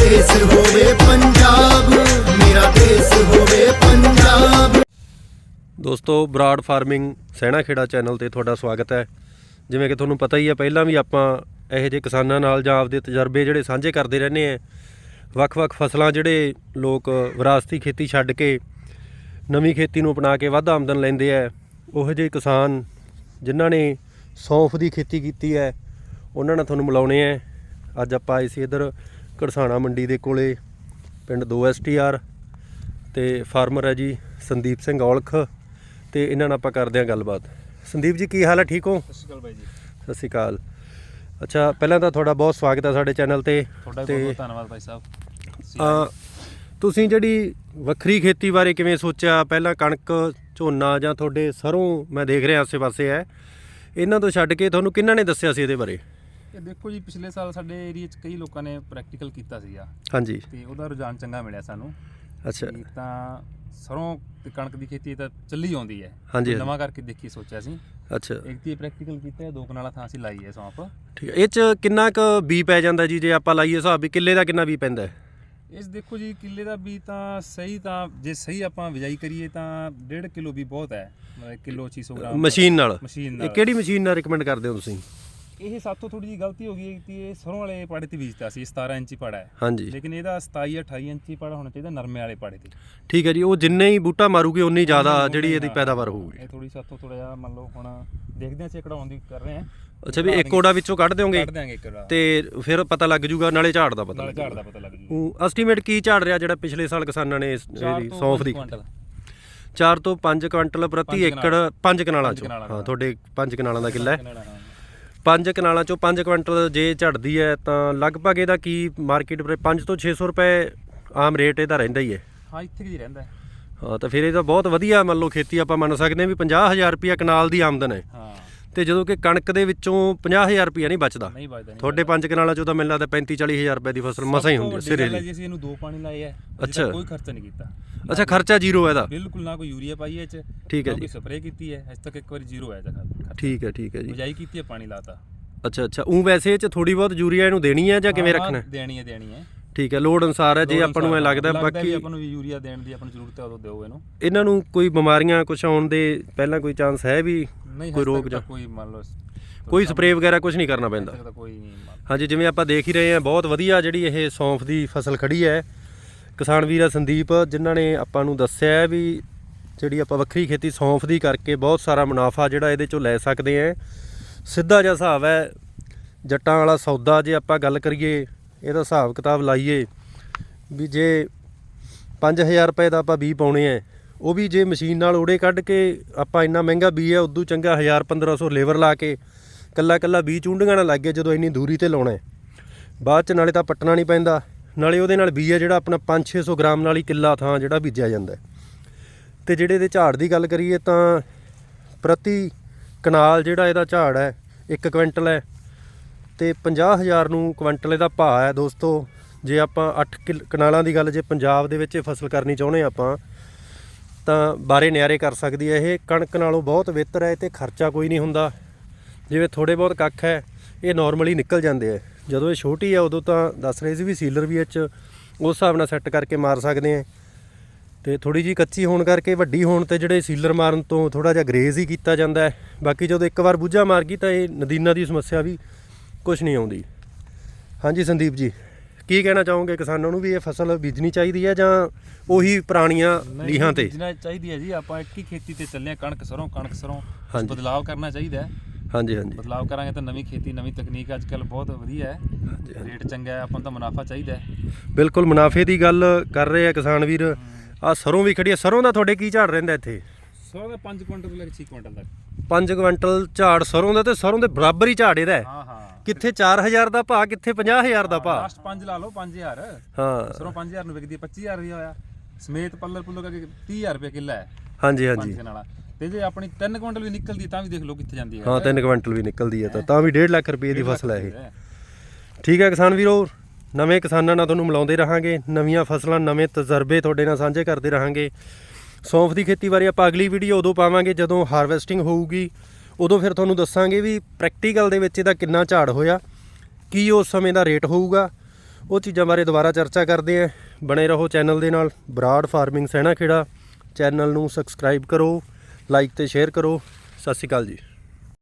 देश होवे पंजाब, मेरा देश होवे पंजाब। ਦੋਸਤੋ ਬਰਾੜ ਫਾਰਮਿੰਗ ਸਹਿਣਾ ਖੇੜਾ ਚੈਨਲ ਤੇ ਤੁਹਾਡਾ ਸਵਾਗਤ ਹੈ। ਜਿਵੇਂ ਕਿ ਤੁਹਾਨੂੰ ਪਤਾ ਹੀ ਹੈ, ਪਹਿਲਾਂ ਵੀ ਆਪਾਂ ਇਹੋ ਜਿਹੇ ਕਿਸਾਨਾਂ ਨਾਲ ਜਾਂ ਆਪਦੇ ਤਜਰਬੇ ਜਿਹੜੇ ਸਾਂਝੇ ਕਰਦੇ ਰਹਿੰਦੇ ਆ। ਵੱਖ-ਵੱਖ ਫਸਲਾਂ ਜਿਹੜੇ ਲੋਕ ਵਿਰਾਸਤੀ ਖੇਤੀ ਛੱਡ ਕੇ ਨਵੀਂ ਖੇਤੀ ਨੂੰ ਅਪਣਾ ਕੇ ਵੱਧ ਆਮਦਨ ਲੈਂਦੇ ਆ, ਉਹੋ ਜਿਹੇ ਕਿਸਾਨ ਜਿਨ੍ਹਾਂ ਨੇ ਸੌਂਫ ਦੀ ਖੇਤੀ ਕੀਤੀ ਹੈ ਉਹਨਾਂ ਨਾਲ ਤੁਹਾਨੂੰ ਮਿਲਾਉਣੇ ਆ। ਅੱਜ ਆਪਾਂ ਆਏ ਸੀ ਇੱਧਰ ਘੜਸਾਣਾ ਮੰਡੀ ਦੇ ਕੋਲੇ, ਪਿੰਡ 2 STR ਤੇ ਫਾਰਮਰ ਹੈ ਜੀ ਸੰਦੀਪ ਸਿੰਘ ਔਲਖ, ਤੇ ਇਹਨਾਂ ਨਾਲ ਆਪਾਂ ਕਰਦੇ ਹਾਂ ਗੱਲਬਾਤ। ਸੰਦੀਪ ਜੀ ਕੀ ਹਾਲ ਹੈ, ਠੀਕ ਹੋ? ਸਤਿ ਸ਼੍ਰੀ ਅਕਾਲ ਬਾਈ ਜੀ। ਸਤਿ ਸ਼੍ਰੀ ਅਕਾਲ। ਅੱਛਾ, ਪਹਿਲਾਂ ਤਾਂ ਤੁਹਾਡਾ ਬਹੁਤ ਸਵਾਗਤ ਹੈ ਸਾਡੇ ਚੈਨਲ ਤੇ। ਤੁਹਾਡਾ ਬਹੁਤ ਧੰਨਵਾਦ ਭਾਈ ਸਾਹਿਬ। ਤੁਸੀਂ ਜਿਹੜੀ ਵੱਖਰੀ ਖੇਤੀ ਬਾਰੇ ਕਿਵੇਂ ਸੋਚਿਆ? ਪਹਿਲਾਂ ਕਣਕ ਝੋਨਾ ਜਾਂ ਤੁਹਾਡੇ ਸਰੋਂ ਮੈਂ ਦੇਖ ਰਿਹਾ ਆਸੇ ਪਾਸੇ ਹੈ, ਇਹਨਾਂ ਤੋਂ ਛੱਡ ਕੇ ਤੁਹਾਨੂੰ ਕਿਹਨਾਂ ਨੇ ਦੱਸਿਆ ਸੀ ਇਹਦੇ ਬਾਰੇ? ਇਹ ਦੇਖੋ ਜੀ, ਪਿਛਲੇ ਸਾਲ ਸਾਡੇ ਏਰੀਆ 'ਚ ਕਈ ਲੋਕਾਂ ਨੇ ਪ੍ਰੈਕਟੀਕਲ ਕੀਤਾ ਸੀਗਾ। ਹਾਂਜੀ। ਤੇ ਉਹਦਾ ਰੁਝਾਨ ਚੰਗਾ ਮਿਲਿਆ ਸਾਨੂੰ। ਅੱਛਾ। ਤਾਂ ਸਰੋਂ ਤੇ ਕਣਕ ਦੀ ਖੇਤੀ ਤਾਂ ਚੱਲੀ ਆਉਂਦੀ ਹੈ। ਹਾਂਜੀ। ਨਵਾਂ ਕਰਕੇ ਦੇਖੀ ਸੋਚਿਆ ਸੀ। ਅੱਛਾ। ਇੱਕ ਤੇ ਪ੍ਰੈਕਟੀਕਲ ਕੀਤਾ, 2 ਕਨਾਲਾਂ ਥਾਂ ਅਸੀਂ ਲਾਈ ਹੈ ਸੌਂਪ। ਠੀਕ ਹੈ। ਇਹ 'ਚ ਕਿੰਨਾ ਕੁ ਬੀ ਪੈ ਜਾਂਦਾ ਜੀ, ਜੇ ਆਪਾਂ ਲਾਈਏ ਹਿਸਾਬ ਵੀ ਕਿੱਲੇ ਦਾ ਕਿੰਨਾ ਬੀ ਪੈਂਦਾ? ਇਸ ਦੇਖੋ ਜੀ, ਕਿੱਲੇ ਦਾ ਵੀ ਤਾਂ ਸਹੀ, ਤਾਂ ਜੇ ਸਹੀ ਆਪਾਂ ਬਿਜਾਈ ਕਰੀਏ ਤਾਂ 1.5 ਕਿਲੋ ਵੀ ਬਹੁਤ ਹੈ। ਮਤਲਬ ਕਿਲੋ 600 ਗ੍ਰਾਮ ਮਸ਼ੀਨ ਨਾਲ। ਮਸ਼ੀਨ ਇਹ ਕਿਹੜੀ ਮਸ਼ੀਨ ਨਾਲ ਰਿਕਮੈਂਡ ਕਰਦੇ ਹੋ ਤੁਸੀਂ? ਇਹ ਸਾਤੋਂ ਥੋੜੀ ਜਿਹੀ ਗਲਤੀ ਹੋ ਗਈ ਕਿ ਇਹ ਸਰੋਂ ਵਾਲੇ ਪਾੜੇ ਤੇ ਬੀਜਤਾ ਸੀ। 17 ਇੰਚੀ ਪਾੜਾ ਹੈ। ਹਾਂਜੀ। ਲੇਕਿਨ ਇਹਦਾ 27-28 ਇੰਚੀ ਪਾੜਾ ਹੋਣਾ ਚਾਹੀਦਾ, ਨਰਮੇ ਵਾਲੇ ਪਾੜੇ ਤੇ। ਠੀਕ ਹੈ ਜੀ। ਉਹ ਜਿੰਨੇ ਹੀ ਬੂਟਾ ਮਾਰੂਗੇ ਉਨੀ ਜ਼ਿਆਦਾ ਜਿਹੜੀ ਇਹਦੀ ਪੈਦਾਵਾਰ ਹੋਊਗੀ। ਇਹ ਥੋੜੀ ਸਾਤੋਂ ਥੋੜਾ ਜਿਹਾ ਮੰਨ ਲਓ, ਹੁਣ ਦੇਖਦੇ ਹਾਂ ਕਢਾਉਣ ਦੀ ਕਰ ਰਹੇ ਹਾਂ। ਅੱਛਾ, ਵੀ ਇੱਕ ਕੋੜਾ ਵਿੱਚੋਂ ਕੱਢ ਦਿਓਗੇ? ਕੱਢ ਦਿਆਂਗੇ ਇੱਕ ਤੇ ਫਿਰ ਪਤਾ ਲੱਗ ਜੂਗਾ, ਨਾਲੇ ਝਾੜ ਦਾ ਪਤਾ ਨਾਲੇ ਲੱਗ ਝਾੜ ਦਾ ਪਤਾ ਲੱਗ ਜੂਗਾ। ਉਹ ਐਸਟੀਮੇਟ ਕੀ ਝਾੜ ਰਿਹਾ ਜਿਹੜਾ ਪਿਛਲੇ ਸਾਲ ਕਿਸਾਨਾਂ ਨੇ ਇਹਦੀ ਸੌਂਫ ਦੀ? 4 ਤੋਂ 5 ਕੁਇੰਟਲ ਪ੍ਰਤੀ ਏਕੜ 5 ਕਨਾਲਾਂ ਚੋਂ। ਹਾਂ, ਤੁਹਾਡੇ 5 ਕਨਾਲਾਂ ਦਾ ਕਿੱਲਾ ਹੈ। 5 ਕਨਾਲਾਂ ਚੋਂ 5 ਕੁਇੰਟਲ ਜੇ ਝੜਦੀ ਹੈ ਤਾਂ ਲਗਭਗ ਇਹਦਾ ਕੀ ਮਾਰਕੀਟ 5 ਤੋਂ 600 ਰੁਪਏ ਆਮ ਰੇਟ ਇਹਦਾ ਰਹਿੰਦਾ ਹੀ ਹੈ। ਹਾਂ, ਇੱਥੇ ਹੀ ਰਹਿੰਦਾ ਹੈ। ਹਾਂ, ਤਾਂ ਫਿਰ ਇਹ ਤਾਂ ਬਹੁਤ ਵਧੀਆ ਮੰਨ ਲਓ ਖੇਤੀ ਆਪਾਂ ਮੰਨ ਸਕਦੇ ਹਾਂ ਵੀ 50,000 ਰੁਪਇਆ ਕਨਾਲ ਦੀ ਆਮਦਨ ਹੈ। ਹਾਂ। ਤੇ ਜਦੋਂ ਕਿ ਕਣਕ ਦੇ ਵਿੱਚੋਂ 50,000 ਰੁਪਇਆ ਨਹੀਂ ਬਚਦਾ। ਨਹੀਂ ਬਚਦਾ। ਤੁਹਾਡੇ 5 ਕਨਾਲਾਂ ਚੋਂ ਤਾਂ ਮੈਨੂੰ ਲੱਗਦਾ 35-40,000 ਰੁਪਏ ਦੀ ਫਸਲ ਮਸਾਂ ਹੀ ਹੁੰਦੀ ਹੈ ਸਿਰੇ ਦੀ। ਅਸੀਂ ਇਹਨੂੰ 2 ਪਾਣੀ ਲਾਏ ਹੈ। ਅੱਛਾ। ਕੋਈ ਖਰਚਾ ਨਹੀਂ ਕੀਤਾ। ਅੱਛਾ, ਖਰਚਾ ਜ਼ੀਰੋ ਹੈ ਇਹਦਾ? ਬਿਲਕੁਲ ਨਾ ਕੋਈ ਯੂਰੀਆ ਪਾਈ ਹੈ ਇਹ 'ਚ। ਠੀਕ ਹੈ ਜੀ। ਕੋਈ ਸਪਰੇਅ ਕੀਤੀ ਹੈ ਅਜੇ ਤੱਕ, ਇੱਕ ਵਾਰੀ ਜ਼ੀਰੋ ਹੈ ਇਹਦਾ। ਠੀਕ ਹੈ, ਠੀਕ ਹੈ ਜੀ। ਬਿਜਾਈ ਕੀਤੀ ਹੈ, ਪਾਣੀ ਲਾਤਾ। ਅੱਛਾ। ਉਹ ਵੈਸੇ ਇਹ 'ਚ ਥੋੜੀ ਬਹੁਤ ਯੂਰੀਆ ਇਹਨੂੰ ਦੇਣੀ ਹੈ ਜਾਂ ਕਿਵੇਂ ਰੱਖਣਾ? ਦੇਣੀ ਹੈ। ਠੀਕ ਹੈ, ਲੋੜ ਅਨੁਸਾਰ ਹੈ। ਜੇ ਆਪਾਂ ਨੂੰ ਐ ਲੱਗਦਾ ਬਾਕੀ ਆਪਾਂ ਨੂੰ ਵੀ ਯੂਰੀਆ ਦੇਣ ਦੀ ਆਪਾਂ ਨੂੰ ਜ਼ਰੂਰਤ ਹੈ, ਉਦੋਂ ਦਿਓ ਇਹਨੂੰ। ਇਹਨਾਂ ਨੂੰ ਕੋਈ ਬਿਮਾਰੀਆਂ ਕੁਛ ਆਉਣ ਦੇ ਪਹਿਲਾਂ ਕੋਈ ਚਾਂਸ ਹੈ ਵੀ? ਨਹੀਂ, ਕੋਈ ਰੋਗ ਜਾਂ ਕੋਈ ਮੰਨ ਲਓ ਕੋਈ ਸਪਰੇਅ ਵਗੈਰਾ ਕੁਝ ਨਹੀਂ ਕਰਨਾ ਪੈਂਦਾ? ਕੋਈ ਨਹੀਂ। ਹਾਂਜੀ, ਜਿਵੇਂ ਆਪਾਂ ਦੇਖ ਹੀ ਰਹੇ ਹਾਂ, ਬਹੁਤ ਵਧੀਆ ਜਿਹੜੀ ਇਹ ਸੌਂਫ ਦੀ ਫਸਲ ਖੜੀ ਹੈ। ਕਿਸਾਨ ਵੀਰ ਆ ਸੰਦੀਪ, ਜਿਨ੍ਹਾਂ ਨੇ ਆਪਾਂ ਨੂੰ ਦੱਸਿਆ ਵੀ ਜਿਹੜੀ ਆਪਾਂ ਵੱਖਰੀ ਖੇਤੀ ਸੌਂਫ ਦੀ ਕਰਕੇ ਬਹੁਤ ਸਾਰਾ ਮੁਨਾਫਾ ਜਿਹੜਾ ਇਹਦੇ ਚੋਂ ਲੈ ਸਕਦੇ ਹਾਂ। ਸਿੱਧਾ ਜਿਹਾ ਹਿਸਾਬ ਹੈ ਜੱਟਾਂ ਵਾਲਾ ਸੌਦਾ। ਜੇ ਆਪਾਂ ਗੱਲ ਕਰੀਏ ਇਹਦਾ ਹਿਸਾਬ ਕਿਤਾਬ ਲਾਈਏ ਵੀ ਜੇ 5,000 ਰੁਪਏ ਦਾ ਆਪਾਂ ਬੀਜ ਪਾਉਣੇ ਆ, ਉਹ ਵੀ ਜੇ ਮਸ਼ੀਨ ਨਾਲ ਓੜੇ ਕੱਢ ਕੇ ਆਪਾਂ ਇੰਨਾ ਮਹਿੰਗਾ ਬੀਜ ਹੈ, ਉਦੋਂ ਚੰਗਾ 1,000-1,500 ਲੇਬਰ ਲਾ ਕੇ ਕੱਲਾ ਬੀਜ ਚੁੰਡੀਆਂ ਨਾਲ ਲੱਗ ਗਿਆ ਜਦੋਂ ਇੰਨੀ ਦੂਰੀ 'ਤੇ ਲਾਉਣਾ, ਬਾਅਦ 'ਚ ਨਾਲੇ ਤਾਂ ਪੱਟਣਾ ਨਹੀਂ ਪੈਂਦਾ, ਨਾਲੇ ਉਹਦੇ ਨਾਲ ਬੀਜ ਹੈ ਜਿਹੜਾ ਆਪਣਾ 500-600 ਗ੍ਰਾਮ ਨਾਲ ਹੀ ਕਿੱਲਾ ਥਾਂ ਜਿਹੜਾ ਬੀਜਿਆ ਜਾਂਦਾ। ਅਤੇ ਜਿਹੜੇ ਇਹਦੇ ਝਾੜ ਦੀ ਗੱਲ ਕਰੀਏ ਤਾਂ ਪ੍ਰਤੀ ਕਨਾਲ ਜਿਹੜਾ ਇਹਦਾ ਝਾੜ ਹੈ 1 ਕੁਇੰਟਲ ਹੈ, ਅਤੇ 50,000 ਨੂੰ ਕੁਇੰਟਲ ਇਹਦਾ ਭਾਅ ਹੈ। ਦੋਸਤੋ, ਜੇ ਆਪਾਂ 8 ਕਨਾਲਾਂ ਦੀ ਗੱਲ ਜੇ ਪੰਜਾਬ ਦੇ ਵਿੱਚ ਇਹ ਫਸਲ ਕਰਨੀ ਚਾਹੁੰਦੇ ਆਪਾਂ ਤਾਂ ਬਾਰੇ ਨਿਆਰੇ ਕਰ ਸਕਦੀ ਹੈ। ਇਹ ਕਣਕ ਨਾਲੋਂ ਬਹੁਤ ਬਿਹਤਰ ਹੈ, ਅਤੇ ਖਰਚਾ ਕੋਈ ਨਹੀਂ ਹੁੰਦਾ। ਜਿਵੇਂ ਥੋੜ੍ਹੇ ਬਹੁਤ ਕੱਖ ਹੈ ਇਹ ਨੋਰਮਲੀ ਨਿਕਲ ਜਾਂਦੇ ਹੈ। ਜਦੋਂ ਇਹ ਛੋਟੀ ਹੈ ਉਦੋਂ ਤਾਂ ਦੱਸ ਰਹੇ ਸੀ ਵੀ ਸੀਲਰ ਵੀ ਉਸ ਹਿਸਾਬ ਨਾਲ ਸੈੱਟ ਕਰਕੇ ਮਾਰ ਸਕਦੇ ਹਾਂ, ਅਤੇ ਥੋੜ੍ਹੀ ਜਿਹੀ ਕੱਚੀ ਹੋਣ ਕਰਕੇ ਵੱਡੀ ਹੋਣ 'ਤੇ ਜਿਹੜੇ ਸੀਲਰ ਮਾਰਨ ਤੋਂ ਥੋੜ੍ਹਾ ਜਿਹਾ ਗਰੇਜ਼ ਹੀ ਕੀਤਾ ਜਾਂਦਾ ਹੈ। ਬਾਕੀ ਜਦੋਂ ਇੱਕ ਵਾਰ ਬੂਝਾ ਮਾਰ ਗਈ ਤਾਂ ਇਹ ਨਦੀਨਾਂ ਦੀ ਸਮੱਸਿਆ ਵੀ ਕੁਛ ਨਹੀਂ ਆਉਂਦੀ। ਹਾਂਜੀ ਸੰਦੀਪ ਜੀ, ਕੀ ਕਹਿਣਾ ਚਾਹੋਗੇ ਕਿਸਾਨਾਂ ਨੂੰ ਵੀ ਇਹ ਫਸਲ ਬੀਜਣੀ ਚਾਹੀਦੀ ਹੈ ਜਾਂ ਉਹੀ ਪੁਰਾਣੀਆਂ ਲੀਹਾਂ ਤੇ? ਬੀਜਣਾ ਚਾਹੀਦੀ ਹੈ ਜੀ। ਆਪਾਂ ਇੱਕ ਹੀ ਖੇਤੀ ਤੇ ਚੱਲੇ ਹਾਂ, ਕਣਕ ਸਰੋਂ। ਬਦਲਾਵ ਕਰਨਾ ਚਾਹੀਦਾ ਹੈ। ਹਾਂਜੀ। ਬਦਲਾਵ ਕਰਾਂਗੇ ਤਾਂ ਨਵੀਂ ਖੇਤੀ, ਨਵੀਂ ਤਕਨੀਕ ਅੱਜ ਕੱਲ੍ਹ ਬਹੁਤ ਵਧੀਆ ਹੈ। ਰੇਟ ਚੰਗਾ ਹੈ, ਆਪਾਂ ਨੂੰ ਤਾਂ ਮੁਨਾਫਾ ਚਾਹੀਦਾ ਹੈ। ਬਿਲਕੁਲ, ਮੁਨਾਫੇ ਦੀ ਗੱਲ ਕਰ ਰਹੇ ਆ ਕਿਸਾਨ ਵੀਰ। ਆਹ ਸਰੋਂ ਵੀ ਖੜੀ ਹੈ। ਸਰੋਂ ਦਾ ਤੁਹਾਡੇ ਕੀ ਝਾੜ ਰਹਿੰਦਾ ਇੱਥੇ? ਸਰੋਂ ਦਾ 5 ਕੁਇੰਟਲ ਤੋਂ ਲੈ ਕੇ 6 ਕੁਇੰਟਲ ਤੱਕ। 5 ਕੁਇੰਟਲ ਝਾੜ ਸਰੋਂ ਦਾ, ਤੇ ਸਰੋਂ ਦੇ ਬਰਾਬਰ ਹੀ ਝਾੜ ਇਹਦਾ। ਹਾਂ। ਕਿੱਥੇ 4,000 ਦਾ ਭਾਅ, ਕਿੱਥੇ 50,000 ਦਾ ਭਾਅ। ਲਾਸਟ 5 ਲਾ ਲਓ, 5,000। ਹਾਂ, ਸਰੋਂ 5,000 ਨੂੰ ਵਿਕਦੀ ਹੈ, 25,000 ਵੀ ਹੋਇਆ ਸਮੇਤ ਪੱਲਰ ਕਰਕੇ 30,000 ਰੁਪਏ ਕਿੱਲਾ ਹੈ। ਹਾਂਜੀ। ਤੇ ਜੇ ਆਪਣੀ 3 ਕੁਇੰਟਲ ਵੀ ਨਿਕਲਦੀ ਤਾਂ ਵੀ ਦੇਖ ਲਓ ਕਿੱਥੇ ਜਾਂਦੀ ਹੈ। ਹਾਂ, 3 ਕੁਇੰਟਲ ਵੀ ਨਿਕਲਦੀ ਹੈ ਤਾਂ ਵੀ 1.5 ਲੱਖ ਰੁਪਏ ਦੀ ਫਸਲ ਹੈ ਇਹ। ਠੀਕ ਹੈ ਕਿਸਾਨ ਵੀਰੋ, ਨਵੇਂ ਕਿਸਾਨਾਂ ਨਾਲ ਤੁਹਾਨੂੰ ਮਿਲਾਉਂਦੇ ਰਹਾਂਗੇ, ਨਵੀਆਂ ਫਸਲਾਂ, ਨਵੇਂ ਤਜਰਬੇ ਤੁਹਾਡੇ ਨਾਲ ਸਾਂਝੇ ਕਰਦੇ ਰਹਾਂਗੇ। ਸੌਂਫ ਦੀ ਖੇਤੀ ਬਾਰੇ ਆਪਾਂ ਅਗਲੀ ਵੀਡੀਓ ਉਦੋਂ ਪਾਵਾਂਗੇ ਜਦੋਂ ਹਾਰਵੈਸਟਿੰਗ ਹੋਊਗੀ। ਉਦੋਂ ਫਿਰ ਤੁਹਾਨੂੰ ਦੱਸਾਂਗੇ ਵੀ ਪ੍ਰੈਕਟੀਕਲ ਦੇ ਵਿੱਚ ਇਹਦਾ ਕਿੰਨਾ ਝਾੜ ਹੋਇਆ, ਕੀ ਉਸ ਸਮੇਂ ਦਾ ਰੇਟ ਹੋਊਗਾ, ਉਹ ਚੀਜ਼ਾਂ ਬਾਰੇ ਦੁਬਾਰਾ ਚਰਚਾ ਕਰਦੇ ਹਾਂ। ਬਣੇ ਰਹੋ ਚੈਨਲ ਦੇ ਨਾਲ। ਬਰਾੜ ਫਾਰਮਿੰਗ ਸੈਣਾ ਖੇੜਾ ਚੈਨਲ ਨੂੰ ਸਬਸਕ੍ਰਾਈਬ ਕਰੋ, ਲਾਈਕ ਤੇ ਸ਼ੇਅਰ ਕਰੋ। ਸਤਿ ਸ਼੍ਰੀ ਅਕਾਲ ਜੀ।